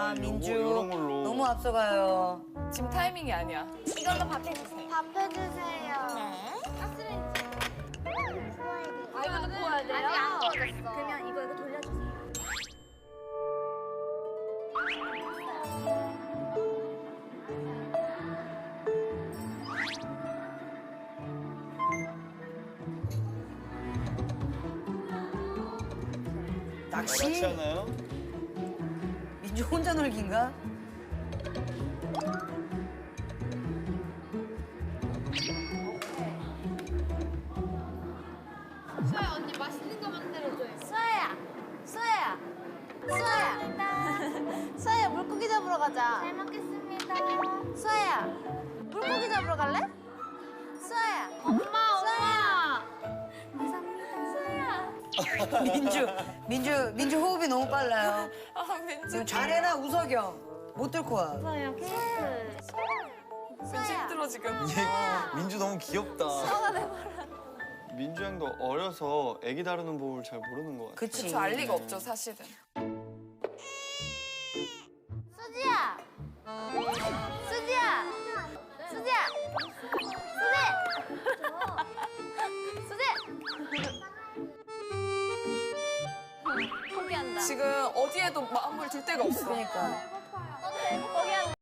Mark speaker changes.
Speaker 1: 아, 민주.
Speaker 2: 요런 걸로.
Speaker 1: 너무 앞서가요.
Speaker 3: 지금 타이밍이 아니야.
Speaker 4: 이걸로 밥 해주세요.
Speaker 5: 밥 해주세요.
Speaker 4: 네. 가스레인지.
Speaker 5: 아, 이거 구워야 돼요?
Speaker 4: 아직 안 구워졌어.
Speaker 5: 그러면 이거 돌려주세요.
Speaker 1: 낚시?
Speaker 2: 낚시 하나요?
Speaker 1: 민주 혼자 놀기인가?
Speaker 5: 수아야, 언니 맛있는 거 만들어줘요.
Speaker 4: 수아야, 수아야, 수아야. 수아야, 물고기 잡으러 가자.
Speaker 5: 잘 먹겠습니다.
Speaker 4: 수아야, 물고기 잡으러 갈래? 수아야.
Speaker 5: 엄마. 감사합니다. 수아야.
Speaker 1: 민주 호흡이 너무 빨라요.
Speaker 3: 아, 민주.
Speaker 1: 지금 잘해라, 우석영. 못 들고 와.
Speaker 5: 수아야, 케이크.
Speaker 3: 민주 힘들어, 지금.
Speaker 2: 민주 너무 귀엽다. 민주 형도 어려서 애기 다루는 법을 잘 모르는 것 같아요.
Speaker 1: 그치.
Speaker 3: 그쵸, 알 리가 없죠, 사실은.
Speaker 4: 수지야. 수지야. 수지야. 수지. 포기한다.
Speaker 3: 지금 어디에도 마음을 둘 데가 없어.
Speaker 1: 그러니까.